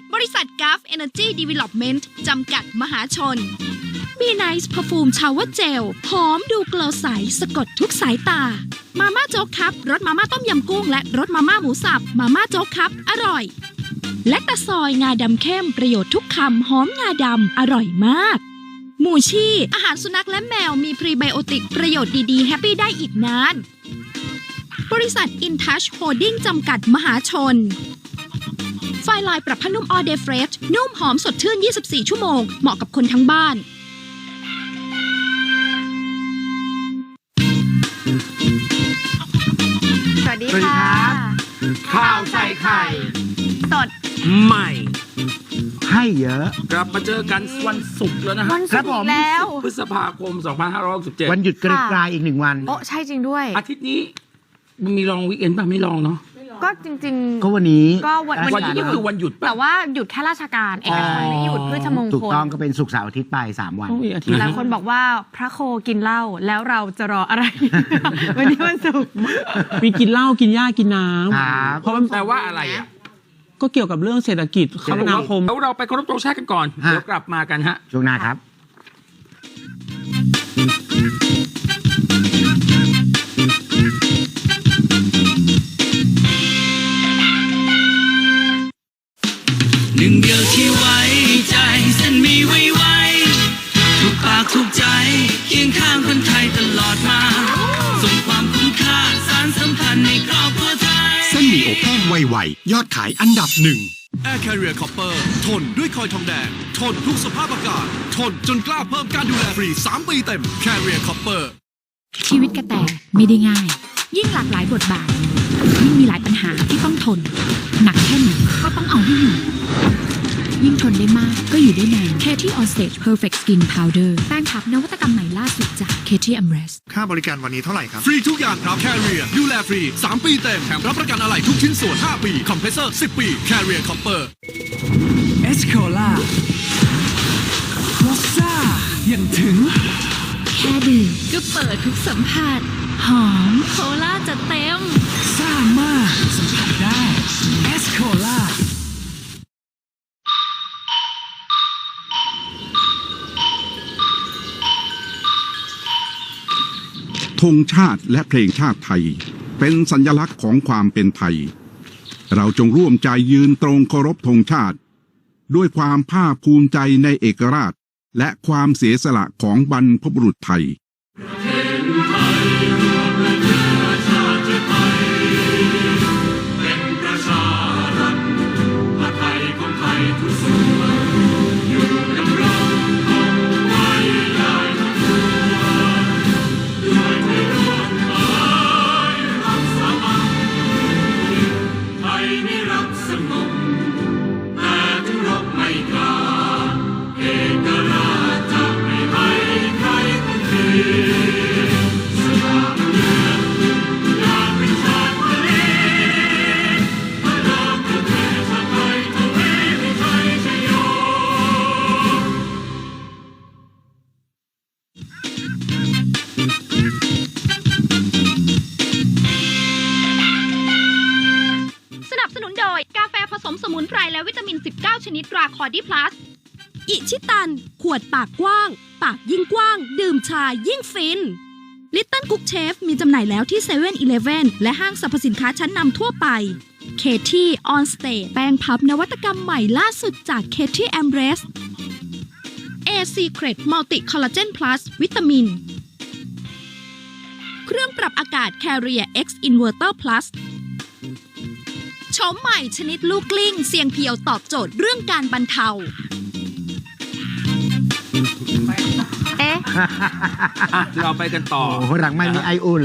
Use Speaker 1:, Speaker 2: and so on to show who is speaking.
Speaker 1: บริษัท Gulf Energy Development จำกัดมหาชน มีไนซ์เพอร์ฟูมชาวเจลหอมดูเกลอใสสะกดทุกสายตามาม่าโจ๊กครับรสมาม่าต้มยำกุ้งและรสมาม่าหมูสับมาม่าโจ๊กครับอร่อยและตะซอยงาดำเข้มประโยชน์ทุกคำหอมงาดำอร่อยมากหมูชี่ อาหารสุนัขและแมวมีพรีไบโอติกประโยชน์ดีๆแฮปปี้ได้อีกนานบริษัท InTouch Holding จำกัดมหาชนไฟลายปรับผ้านุ่ม All Day Fresh นุ่มหอมสดชื่น 24 ชั่วโมงเหมาะกับคนทั้งบ้าน
Speaker 2: สวัสดีค่ะ
Speaker 3: ข่าวใส่ไข่
Speaker 2: สด
Speaker 3: ใหม่
Speaker 4: ให้เยอะ
Speaker 3: กลับมาเจอกันวันศุกร์แล้วนะฮะ
Speaker 2: วันศุกร์แล้ว
Speaker 3: พฤษภาคม 2567
Speaker 4: วันหยุดไกลๆอีก1 วัน
Speaker 2: โอ้ใช่จริงด้วย
Speaker 3: อาทิตย์นี้มันมีลองวีคเอนด์ป่ะไม่ลองเนาะ
Speaker 2: ก็จริงๆ
Speaker 4: ก็วันนี้
Speaker 2: ก็วัน
Speaker 3: นี้คือวันหยุดป่ะ
Speaker 2: แต่ว่าหยุดแค่ราชการเอกชนไม่หยุดพฤชมงคล
Speaker 4: ถูกต้องก็เป็นศุกร์เสาร์อาทิตย์ไป3 วัน
Speaker 2: หลายคนบอกว่าพระโคกินเหล้าแล้วเราจะรออะไร วันนี้วันศุกร์
Speaker 5: มีกินเหล้ากินหญ้ากินน้ำ
Speaker 3: เพราะมันแปลว่าอะไรอ่ะ
Speaker 5: ก็เกี่ยวกับเรื่องเศรษฐกิจคมนาคม
Speaker 3: แล้วเราไปเคารพธงชาติกันก่อนเดี๋ยวกลับมากันฮะ
Speaker 4: ช่วงหน้าครับ
Speaker 6: หนึ่งเดียวที่ไว้ใจเส้นมีไว้ไว้ทุกปากทุกใจเคียงข้างคนไทยตลอดมาส่งความคุ้มค่าสารสัมพันธ์ในครอบครัวไทย
Speaker 7: เส้นหมี่อบแห้งไวๆยอดขายอันดับ1 Air Carrier Copper ทนด้วยคอยทองแดงทนทุกสภาพอากาศทนจนกล้าเพิ่มการดูแลฟรี3 ปีเต็ม Carrier Copper
Speaker 8: ชีวิตกระแตไม่ได้ง่ายยิ่งหลากหลายบทบาทยิ่งมีหลายปัญหาที่ต้องทนหนักแค่ไหนก็ต้องเอาให้อยู่ยิ่งทนได้มากก็อยู่ได้นาน Katy On Stage Perfect Skin Powder แป้งพับนวัตกรรมใหม่ล่าสุดจาก Katy Amrest
Speaker 7: ค่าบริการวันนี้เท่าไหร่ครับฟรีทุกอย่างครับ Carrier ดูแลฟรี3 ปีเต็มแถมรับประกันอะไหล่ทุกชิ้นส่วน5 ปีคอมเพรสเซอร์10 ปี Carrier Copper
Speaker 6: เอสโคล่ารสซ่าอย่างถึง
Speaker 8: แค่ดื่มก็เปิดทุกสัมผัสหอมโคล่าจะเต็ม
Speaker 6: ซ่ามากสัมผัสได้เอสโคล่า
Speaker 9: ธงชาติและเพลงชาติไทยเป็นสัญลักษณ์ของความเป็นไทยเราจงร่วมใจยืนตรงเคารพธงชาติด้วยความภาคภูมิใจในเอกราชและความเสียสละของบรรพบุรุษไทย
Speaker 1: สมุนไพรและวิตามิน19ชนิดราคอร์ดี้พลัสอิชิตันขวดปากกว้างปากยิ่งกว้างดื่มชายิ่งฟินลิตเติ้ลคุกเชฟมีจำหน่ายแล้วที่7-Eleven และห้างสรรพสินค้าชั้นนำทั่วไป Katy On Stage แป้งพับนวัตกรรมใหม่ล่าสุดจาก Katy Amrest A Secret Multi Collagen Plus วิตามินเครื่องปรับอากาศ Carrier X Inverter Plusโฉมใหม่ชนิดลูกกลิ้งเสียงเพียวตอบโจทย์เรื่องการบรรเทา
Speaker 3: เราไปกันต่อ
Speaker 4: หลังไม่มีไออุ่น